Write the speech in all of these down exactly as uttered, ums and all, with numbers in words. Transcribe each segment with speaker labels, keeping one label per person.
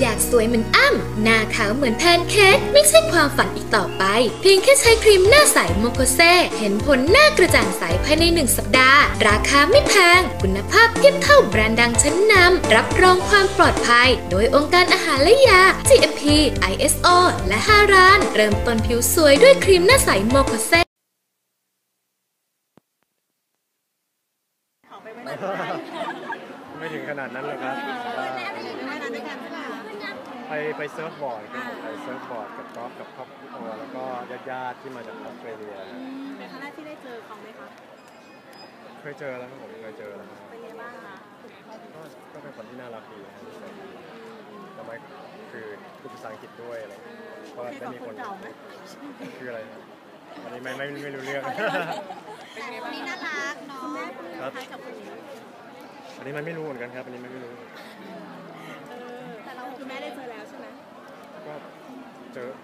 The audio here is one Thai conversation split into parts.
Speaker 1: อยากสวยเหมือนอ้ำหน้าขาวเหมือนแพนเค้กไม่ใช่ความฝันอีกต่อไปเพียงแค่ใช้ครีมหน้าใสโมโคเซเห็นผลหน้ากระจ่างใสภายในหนึ่งสัปดาห์ราคาไม่แพงคุณภาพเทียบเท่าแบรนด์ดังชั้นนำรับรองความปลอดภัยโดยองค์การอาหารและยา จี เอ็ม พี ไอ เอส โอ และฮารานเริ่มต้นผิวสวยด้วยครีมหน้าใสโมโคเซ
Speaker 2: ไม่ถึงขนาดนั้นหรอกครับไปไปเซิร์ฟบอร์ดไปเซิร์ฟบอร์ดกับกอล์ฟกับครอบครัวแล้วก็ญาติๆที่มาจากออสเตรเลีย
Speaker 3: เป็นครั้งแรกที่ได้เจอเขาไหมคะ
Speaker 2: เคยเจอแล้วครับผมเคยเจอแล้ว
Speaker 3: เป็นไงบ้างคะ
Speaker 2: ก็ก็เป็นคนที่น่ารักดีนะทำไมคือพูดภาษาอังกฤษด้วยอะไรก็ได้มีคนคืออะไรอันนี้ไม่ไม่ไม่รู้เรื่อง
Speaker 3: แต่คนนี้น่ารักเนาะครับ
Speaker 2: อันนี้มันไม่รู้เหมือนกันครับอันนี้ไม่รู้
Speaker 3: แต่เราคือแม่ได้เจอแล้วใช่ไหม
Speaker 2: ก็เจอ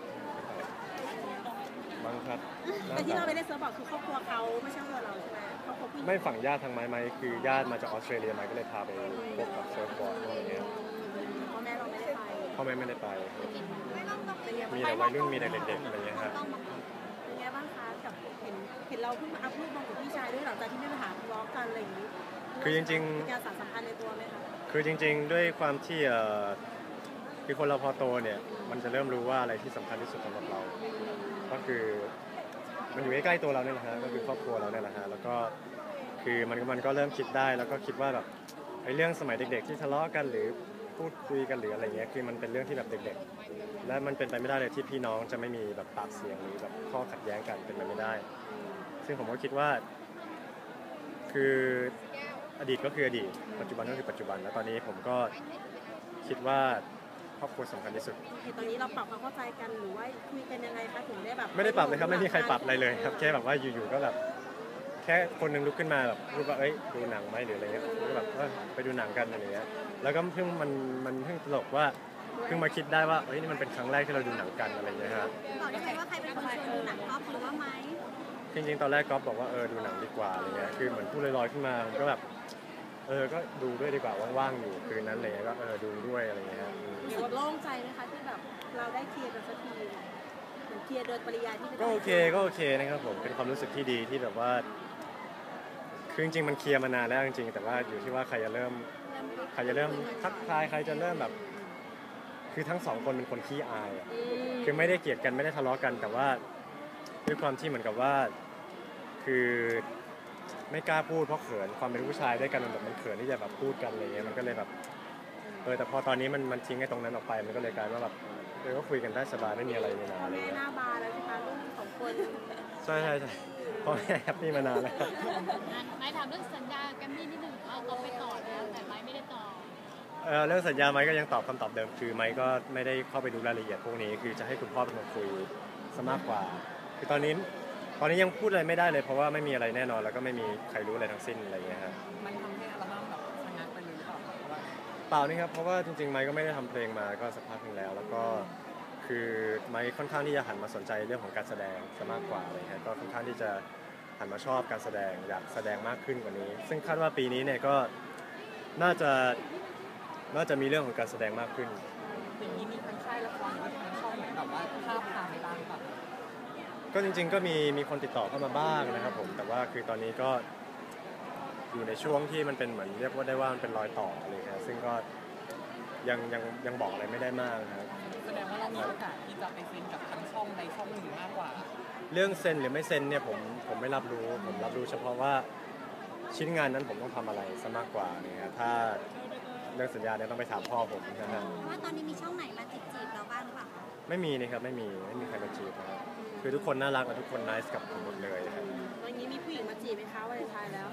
Speaker 2: บังครับ
Speaker 3: แต่ที่เราไปได้เซิร์ฟบอกคือครอบครัวเขาไม่ใช่ตัวเราใช่ไหมครอบครัวพี่
Speaker 2: ไม่ฝั่งญาติทางไม้ไม้คือญาติมาจากออสเตรเลียมาก็เลยพาไปพบกับเซิร์ฟบอร์ดอะไรเงี้ย
Speaker 3: พ่อแม่เราไม่ได้ไป
Speaker 2: พ่อแม่ไม่ได้ไปมีแต่วัยรุ่นมีแต่เด็กๆอะไรเงี้ยครับ
Speaker 3: เป็นไงบ้างคะกับเห็นเห็นเราเพิ่งมาอัพรูปมากับพี่ชายด้วยหลังจากที่ไม่มาหาทะเลาะกันอะไรอย่างนี้
Speaker 2: คือจริง
Speaker 3: ๆการสานสัมพันธ์ในตัวไหมคะ
Speaker 2: คือจริงๆด้วยความที่คือคนเราพอโตเนี่ยมันจะเริ่มรู้ว่าอะไรที่สำคัญที่สุดสำหรับเราก็คือมันอยู่ใกล้ๆตัวเราเนี่ยแหละฮะก็คือครอบครัวเราเนี่ยแหละฮะแล้วก็คือมันมันก็เริ่มคิดได้แล้วก็คิดว่าแบบไอ้เรื่องสมัยเด็กๆที่ทะเลาะกันหรือพูดคุยกันหรืออะไรเงี้ยคือมันเป็นเรื่องที่แบบเด็กๆและมันเป็นไปไม่ได้เลยที่พี่น้องจะไม่มีแบบปากเสียงหรือแบบข้อขัดแย้งกันเป็นไปไม่ได้ซึ่งผมก็คิดว่าคืออดีตก็คืออดีตปัจจุบันก็คือปัจจุบันแล้วตอนนี้ผมก็คิดว่าครอบครัวสำคัญที่สุด
Speaker 3: ตอนนี้เราปรับความเข้าใจกันหรือว่าคุยกันยังไงคะถึงได้แบบ
Speaker 2: ไม่ได้ปรับเลยครับไม่มีใครปรับอะไรเลยครับแค่แบบว่าอยู่ๆก็แบบแค่คนนึงลุกขึ้นมาแบบพูดว่าเอ้ยดูหนังไหมหรืออะไรเงี้ยก็แบบเออไปดูหนังกันอะไรเงี้ยแล้วก็เพิ่งมันมันเพิ่งตลกว่าเพิ่งมาคิดได้ว่าเฮ้ยนี่มันเป็นครั้งแรกที่เราดูหนังกันอะไรเงี้ยครับ
Speaker 3: บอกได้ไหมว่าใครเป็นคนชวนดูหนังก๊อฟหรือว่าไม้
Speaker 2: จริงๆตอนแรกก๊อฟบอกว่าเออดูหนังดีกว่าอะไรเงี้ยคือเหมือนพูดลอยๆขึ้นมาผมก็แบบเออก็ดูด้วยดีกว่าว่างๆอยู่คืนนั้นเลยก็เออดูด้วยอะไรเงี้ย
Speaker 3: รู้สึกโล่งใจไหมคะที่แบบเราได้เคลียร์กันสักทีเหมือนเคลียร์โดยปริยายที่
Speaker 2: ก็โอเคก็โอเคนะครับผมเป็นความรู้สึกที่ดีที่แบบว่าคือจริงๆมันเคลียร์มานานแล้วจริงๆแต่ว่าอยู่ที่ว่าใครจะเริ่มใครจะเริ่มทักทายใครจะเริ่มแบบคือทั้งสองคนเป็นคนขี้อายคือไม่ได้เกลียดกันไม่ได้ทะเลาะกันแต่ว่าด้วยความที่เหมือนกับว่าคือไม่กล้าพูดเพราะเขินความเป็นผู้ชายด้วยกันมันแบบมันเขินที่จะแบบพูดกันอะไรเงี้ยมันก็เลยแบบเออแต่พอตอนนี้มันมันทิ้งไอ้ตรงนั้นออกไปมันก็เลยกลายว่าแบบเออก็คุยกันได้สบายไม่มีอะไรเลยนะอะไรเงี้ย
Speaker 3: หน้าบาร์แล้วสิคะลูกสองคน
Speaker 2: ใช่ใช่ใช่พ่อแม่แฮปปี้มานานแล้ว
Speaker 4: ไม่ถามเรื่องสัญญากันนี่นิดนึงเอาเราไปต่อแล้วแต่ไม่ไม่ได้ต่อ
Speaker 2: เออเรื่องสัญญาไม้ก็ยังตอบคำตอบเดิมคือไม้ก็ไม่ได้เข้าไปดูรายละเอียดพวกนี้คือจะให้คุณพ่อเป็นคนคุยซะมากกว่าคือตอนนี้ตอนนี้ยังพูดอะไรไม่ได้เลยเพราะว่าไม่มีอะไรแน่นอนแล้วก็ไม่มีใครรู้อะไรทั้งสิ้นอะไรเงี้ยครับ
Speaker 3: มันทำให้อัลบั้มแบบชะงักไปเลยหรือเปล่า
Speaker 2: เปล่านี่ครับเพราะว่าจริงๆไม้ก็ไม่ได้ทำเพลงมาก็สักพักนึงแล้วแล้วก็คือไม้ค่อนข้างที่จะหันมาสนใจเรื่องของการแสดงซะมากกว่าอะไรเงี้ยก็ค่อนข้างที่จะหันมาชอบการแสดงอยากแสดงมากขึ้นกว่านี้ซึ่งคาดว่าปีนี้เนี่ยก็น่าจะน่าจะมีเรื่องของการแสดงมากขึ้น
Speaker 3: อย่างนี้มีทั้งค่ายละครหรือทั้งช่องไหนแบบว่าภาพพาไปบ้างป่ะ
Speaker 2: ก็จริงๆก็มีมีคนติดต่อเข้ามาบ้างนะครับผมแต่ว่าคือตอนนี้ก็อยู่ในช่วงที่มันเป็นเหมือนเรียกว่าได้ว่ามันเป็นรอยต่ออะไรครับซึ่งก็ยังยังยังบอกอะไรไม่ได้มากนะครับ
Speaker 3: แสดงว่าเรามีโอกาสที่จะไปเซ็นกับทั้งช่องใดช่องหนึ่งมากกว่า
Speaker 2: เรื่องเซ็นหรือไม่เซ็นเนี่ยผมผมไม่รับรู้ผมรับรู้เฉพาะว่าชิ้นงานนั้นผมต้องทำอะไรซะมากกว่าเนี่ยถ้าเรื่องสัญญาเนี่ยต้องไปถามพ่อผมนะฮะ
Speaker 3: ว่าตอนนี้มีช่องไหนมาจีบจีบเราบ้างหรือเปล่า
Speaker 2: ไม่มีนะครับไม่มีไม่มีใครมาจีบนะครับคือทุกคนน่ารักและทุกคนน่ารักกับผมหมดเลยครับ
Speaker 3: วันนี้มีผู้หญิงมาจีบไหมคะวันเลนไทน์แล้ว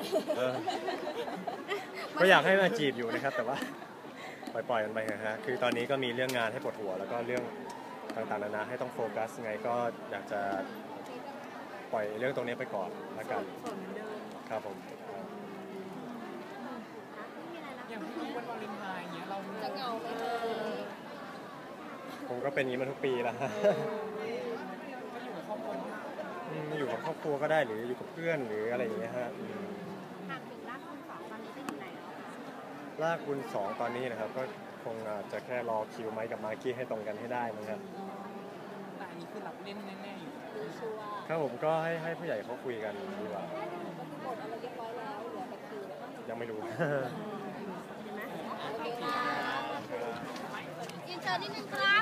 Speaker 2: ก็อยากให้มาจีบอยู่นะครับแต่ว่าปล่อยๆกันไปนะฮะคือตอนนี้ก็มีเรื่องงานให้ปวดหัวแล้วก็เรื่องต่างๆนานาให้ต้องโฟกัสไงก็อยากจะปล่อยเรื่องตรงนี้ไปก่อนละกันครับผม
Speaker 3: อย่างที่วันวาเลนไทน์เงี้ยเรา
Speaker 4: จะเหงาไหม
Speaker 2: ผมก็เป็นอย่างนี้มาทุกปีแล้วฮะอยู่กับครอบครัวก็ได้หรืออยู่กับเพื่อนหรืออะไรอย่างเงี้ยฮะ
Speaker 3: หากถึงลากคุณสองตอนนี้จะอยู่ไหน
Speaker 2: ลากคุณสองตอนนี้นะครับก็คคงอาจจะแค่รอคิวไมค์กับมากกี้ให้ตรงกันให้ได้มั้งครับ
Speaker 5: แต่อันนี้คือรับเล่นแน่ๆอยู่
Speaker 2: ครับผมก็ให้ให้ผู้ใหญ่เขาคุยกันดีกว่ายังไม่รู้
Speaker 4: อินเตอร์นิดนึงครับ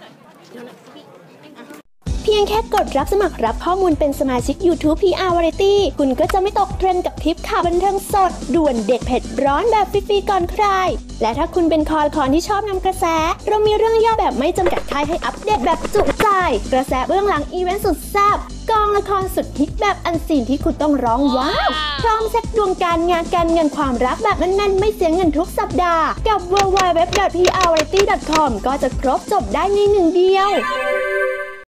Speaker 6: เพียงแค่กดรับสมัครรับข้อมูลเป็นสมาชิก YouTube พี อาร์ Variety คุณก็จะไม่ตกเทรนด์กับคลิปข่าวบันเทิงสด ด่วนเด็ดเผ็ดร้อนแบบฟรีๆก่อนใคร และถ้าคุณเป็นคอคอนที่ชอบนำกระแส เรามีเรื่องย่อแบบไม่จำกัดค่ายให้อัปเดตแบบจุใจ กระแสเบื้องหลังอีเวนต์สุดแซ่บกองละครสุดฮิตแบบอันซีนที่คุณต้องร้องว้าว พร้อมเช็คดวงการงานการเงินความรักแบบแน่นๆไม่เสียเงินทุกสัปดาห์กับ ดับเบิลยู ดับเบิลยู ดับเบิลยู ดอท พี อาร์ วาไรตี้ ดอท คอม ก็จะครบจบได้ในหนึ่งเดียว